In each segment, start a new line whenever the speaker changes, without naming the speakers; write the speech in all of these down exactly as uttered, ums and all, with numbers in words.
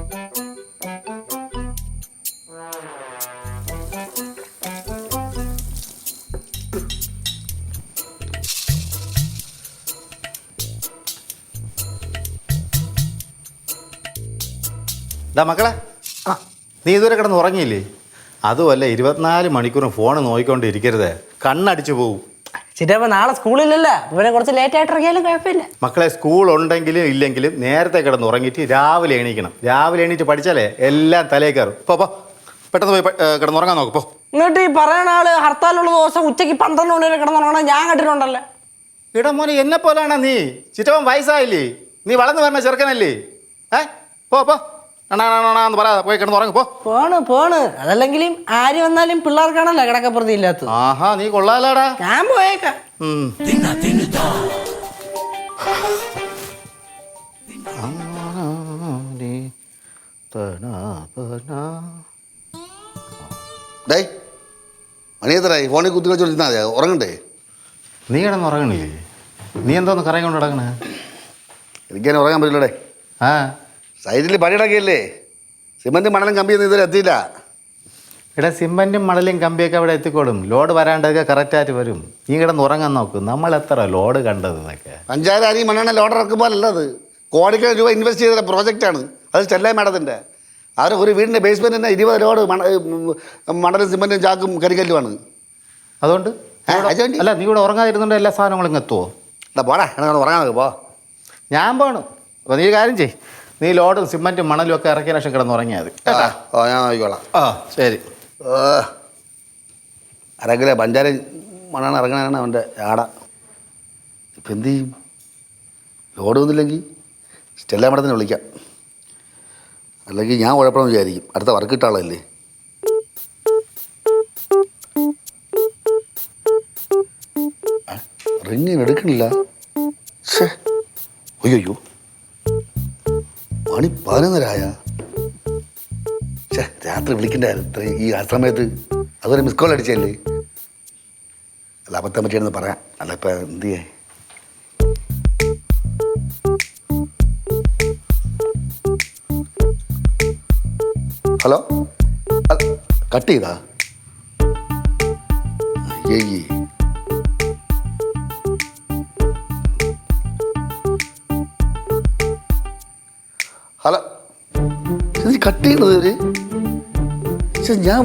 മക്കളെ ആ നീ ഇതുവരെ കിടന്ന് ഉറങ്ങിയില്ലേ? അതുമല്ല ഇരുപത്തിനാല് മണിക്കൂറും ഫോൺ നോക്കിക്കൊണ്ടിരിക്കരുത്, കണ്ണടിച്ചു പോവും.
ചിറ്റപ്പ നാളെ സ്കൂളിലല്ല, ഇവനെ കുറച്ച് ലേറ്റ് ആയിട്ട് ഇറങ്ങിയാലും കുഴപ്പമില്ല.
മക്കളെ സ്കൂൾ ഉണ്ടെങ്കിലും ഇല്ലെങ്കിലും നേരത്തെ കിടന്ന് ഉറങ്ങിയിട്ട് രാവിലെ എണീക്കണം. രാവിലെ എണീറ്റ് പഠിച്ചാലേ എല്ലാം തലേ കയറും. പോ പോ പെട്ടെന്ന് പോയി കിടന്നുറങ്ങാൻ നോക്ക് പോ.
എന്നിട്ട് ഈ പറയുന്ന ആള് ഹർത്താലുള്ള ദിവസം ഉച്ചയ്ക്ക് പന്ത്രണ്ട് മണി വരെ കിടന്നുറങ്ങണം ഞാൻ കണ്ടിട്ടുണ്ടല്ലേ.
ഇടാ മോനെ എന്നെ പോലാണോ നീ? ചിറ്റവൻ വയസ്സായില്ലേ, നീ വളർന്നു വരണ ചെറുക്കനല്ലേ? ഏ പോ പോ എന്ന് പറയാ പോയി കിടന്നുറങ്ങ് പോ.
പോണ് പോണ് അതല്ലെങ്കിലും ആര് വന്നാലും പിള്ളേർക്കാണല്ലോ കിടക്കപ്പുറത്തി ഇല്ലാത്തത്.
ആഹാ നീ കൊള്ളാലാടാ.
ഞാൻ പോയേക്കാം.
മണിയത്തരായി ഫോണിൽ കുത്തി കളിച്ചോണ്ടിരുന്നാ മതി, ഉറങ്ങണ്ടേ?
നീ കിടന്നുറങ്ങണില്ലേ? നീ എന്തോന്ന് കറങ്ങി കൊണ്ട് കിടക്കണേ?
എനിക്കതിനെ ഉറങ്ങാൻ പറ്റില്ലടേ.
ആ
സൈഡിൽ പണിയിടക്കിയല്ലേ, സിമൻറ്റും മണലും കമ്പിയൊന്നും ഇതുവരെ എത്തിയില്ല.
ഇവിടെ സിമൻറ്റും മണലും കമ്പിയൊക്കെ അവിടെ എത്തിക്കോളും. ലോഡ് വരാണ്ടൊക്കെ കറക്റ്റായിട്ട് വരും. നീ കിടന്ന് ഉറങ്ങാൻ നോക്കും. നമ്മൾ എത്ര ലോഡ് കണ്ടത് എന്നൊക്കെ.
പഞ്ചായത്ത് അരി മണ്ണെണ്ണ ലോഡ് ഇറക്കുമ്പോൾ അല്ലത്, കോടിക്കണക്കിന് രൂപ ഇൻവെസ്റ്റ് ചെയ്ത പ്രോജക്റ്റാണ് അത്. ചെല്ലായി മാഡത്തിൻ്റെ അവർ ഒരു വീടിൻ്റെ ബേസ്മെൻറ്റ് തന്നെ ഇരുപത് ലോഡ് മണ മണലും സിമൻറ്റും ചാക്കും കരിക്കല്ലുമാണ്.
അതുകൊണ്ട് അല്ല നീ ഇവിടെ ഉറങ്ങാതിരുന്നുണ്ട് എല്ലാ സാധനങ്ങളും ഇങ്ങ് എത്തുമോ?
അല്ല പോടാ, എന്നെ ഉറങ്ങാൻ നോക്ക് പോ.
ഞാൻ പോണു. അപ്പോൾ നീ കാര്യം ചെയ്, നീ ലോഡും സിമൻറ്റും മണലും ഒക്കെ ഇറക്കിയ ശേഷം കിടന്ന് ഉറങ്ങിയാൽ മതി.
ഓ ഞാൻ നോക്കിക്കോളാം.
ആ ശരി.
അരക്കിലെ പഞ്ചാര മണ്ണാണ് ഇറങ്ങണാണ് അവൻ്റെ ആട. ഇപ്പം എന്ത് ചെയ്യും? ലോഡ് വന്നില്ലെങ്കിൽ സ്റ്റെല്ല മഠത്തിന് വിളിക്കാം, അല്ലെങ്കിൽ ഞാൻ കുഴപ്പമെന്ന് വിചാരിക്കും. അടുത്ത വർക്ക് കിട്ടാളല്ലേ. റിങ്ങിന് എടുക്കണില്ല. ഷേ അയ്യോ മണി പതിനൊന്നരായ. ഛേ രാത്രി വിളിക്കണ്ടായിരുന്നു ഈ ആ സമയത്ത്. അതുവരെ മിസ് കോൾ അടിച്ചല്ലേ. അല്ല അബദ്ധം പറ്റിയാണെന്ന് പറയാം. അല്ല ഇപ്പം എന്ത് ചെയ്യേ? ഹലോ കട്ട് ചെയ്താ? അയ്യേ ഹലോ ഇത് കട്ട് ചെയ്യണത് ഇവര്? ഞാൻ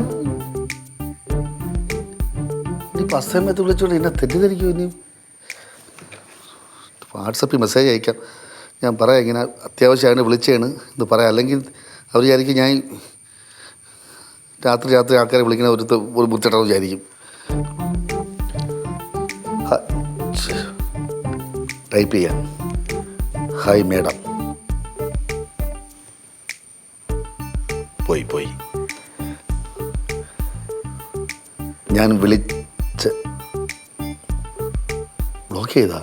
ഇനിയിപ്പോൾ അസമയത്ത് വിളിച്ചോണ്ട് എന്നെ തെറ്റിദ്ധരിക്കും. ഇനി വാട്സപ്പിൽ മെസ്സേജ് അയക്കാം, ഞാൻ പറയാം ഇങ്ങനെ അത്യാവശ്യമാണ് വിളിച്ചതാണ് എന്ന് പറയാം. അല്ലെങ്കിൽ അവർ വിചാരിക്കും ഞാൻ രാത്രി രാത്രി ആൾക്കാരെ വിളിക്കണ ഒരു ഒരു ബുദ്ധിമുട്ടാണെന്ന് വിചാരിക്കും. ടൈപ്പ് ചെയ്യാം. Hi madam. പോയി പോയി ഞാൻ വിളിച്ച് ബ്ലോക്ക് ചെയ്താ?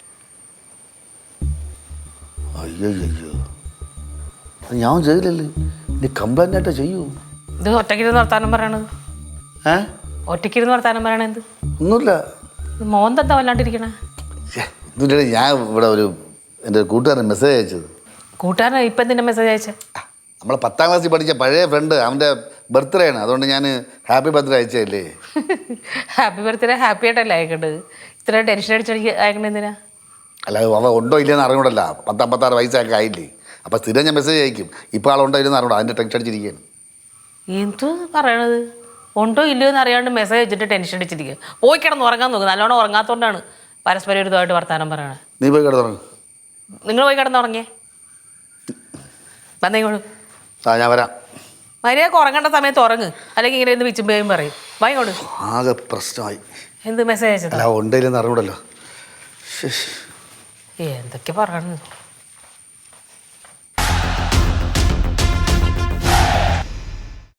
അയ്യോ അയ്യോ ഞാൻ ചെയ്തില്ലല്ലേ. ഇനി കംപ്ലൈൻ്റ് ആയിട്ടാ ചെയ്യൂ.
ഇത് ഒറ്റയ്ക്കിരുന്ന് വർത്താനം പറയണത്?
ഏ
ഒറ്റയ്ക്കിരുന്ന് വർത്താനം പറയണ എന്ത്?
ഒന്നുമില്ല.
മോൻ എന്താ വല്ലാണ്ടിരിക്കണേ?
എന്നിട്ട് ഞാൻ ഇവിടെ ഒരു എൻ്റെ കൂട്ടുകാരൻ മെസ്സേജ് അയച്ചത്.
കൂട്ടുകാരൻ ഇപ്പം എന്തിൻ്റെ മെസ്സേജ് അയച്ചേ?
നമ്മളെ പത്താം ക്ലാസ്സിൽ പഠിച്ച പഴയ ഫ്രണ്ട്, അവൻ്റെ ബർത്ത്ഡേ ആണ്, അതുകൊണ്ട് ഞാൻ ഹാപ്പി ബർത്ത്ഡേ അയച്ചല്ലേ.
ഹാപ്പി ബർത്ത്ഡേ ഹാപ്പി ആയിട്ടല്ലേ അയക്കേണ്ടത്? ഇത്ര ടെൻഷൻ അടിച്ചടിക്ക് അയക്കണ എന്തിനാ?
അല്ല അവ ഉണ്ടോ ഇല്ലെന്ന് അറിഞ്ഞൂടല്ല. പത്തമ്പത്താറ് വയസ്സൊക്കെ ആയില്ലേ. അപ്പം സ്ഥിരം ഞാൻ മെസ്സേജ് അയക്കും. ഇപ്പോൾ ആളുണ്ടോ ഇല്ലെന്ന് അറിഞ്ഞൂടാ, അതിൻ്റെ ടെൻഷൻ അടിച്ചിരിക്കുകയാണ്.
എന്ത് പറയണത്? ഉണ്ടോ ഇല്ലയോ എന്ന് അറിയാണ്ട് മെസ്സേജ് വെച്ചിട്ട് ടെൻഷൻ അടിച്ചിരിക്കുക. പോയി കിടന്ന് ഉറങ്ങാൻ നോക്കും. നല്ലോണം ഉറങ്ങാത്തതുകൊണ്ടാണ് പരസ്പരം ഒരുതായിട്ട് വർത്താനം പറയണത്.
നീ പോയി കിടന്നുറങ്ങും.
നിങ്ങൾ പോയി കിടന്നുറങ്ങിയേ. വന്നേക്കോളൂ.
ആ ഞാൻ വരാം.
മര്യാദക്ക് ഉറങ്ങേണ്ട സമയത്ത് ഉറങ്ങ്, അല്ലെങ്കിൽ ഇങ്ങനെ എന്ത് വിച്ചുമ്പേയും പറയും. വായിക്കോളൂ.
ആകെ പ്രശ്നമായി.
എന്ത് മെസ്സേജ് അയച്ചത്?
അല്ല ഉണ്ടോ ഇല്ലെന്ന് അറിഞ്ഞൂടല്ലോ.
എന്തൊക്കെ പറയണു.